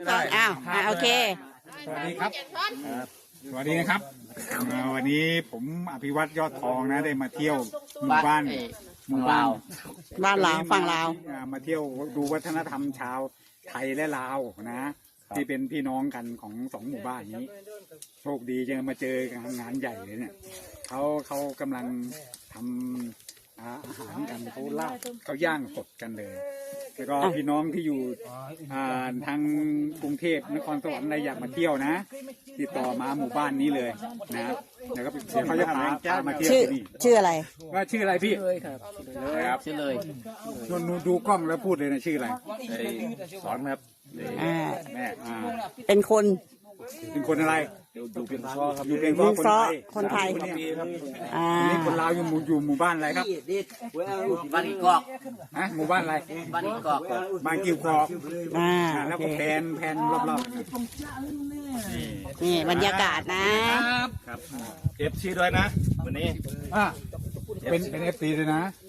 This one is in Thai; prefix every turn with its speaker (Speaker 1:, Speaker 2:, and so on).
Speaker 1: อ้าวโอเค
Speaker 2: สวัสดีครับสวัสดีนะครับวันนี้ผมอภิวัตรยอดทองนะได้มาเที่ยวหมู่บ้าน
Speaker 1: บ้านลาวฝั่งลาว
Speaker 2: มาเที่ยวดูวัฒนธรรมชาวไทยและลาวนะที่เป็นพี่น้องกันของสองหมู่บ้านนี้โชคดีจะมาเจองานใหญ่เลยเนี่ยเขากำลังทำอาหารกันเขาย่างสดกันเลยแล้วก็พี่น้องที่อยู่ทางกรุงเทพนครสวรรค์อะไรอยากมาเที่ยวนะติดต่อมาหมู่บ้านนี้เลยนะแล้วก็เขาจะพามาเที่ยวที่นี่
Speaker 1: ชื่ออะไร
Speaker 2: ว่าชื่ออะไรพี่
Speaker 3: เลยครับชื่อเลย
Speaker 2: นูดูกล้องแล้วพูดเลยนะชื่ออะไร
Speaker 3: สอนครับ
Speaker 2: แม่
Speaker 1: เป็นคน
Speaker 2: อะไร
Speaker 3: อยู่เป็นซ้อครับ
Speaker 2: อยู่เป็นซ้อ
Speaker 1: คนไทย
Speaker 2: นี่คนลาวอยู่หมู่บ้านอะไรครับ
Speaker 3: บ้านกอก
Speaker 2: หมู่บ้านอะไร
Speaker 3: บ้านกอก
Speaker 2: บ้านกิ้วกอกแล้วก็แผนรอบ
Speaker 1: นี่บรรยากาศนะครับ
Speaker 3: เอฟซีด้วยนะวันนี้
Speaker 2: เป็นเอฟซีด้วยนะ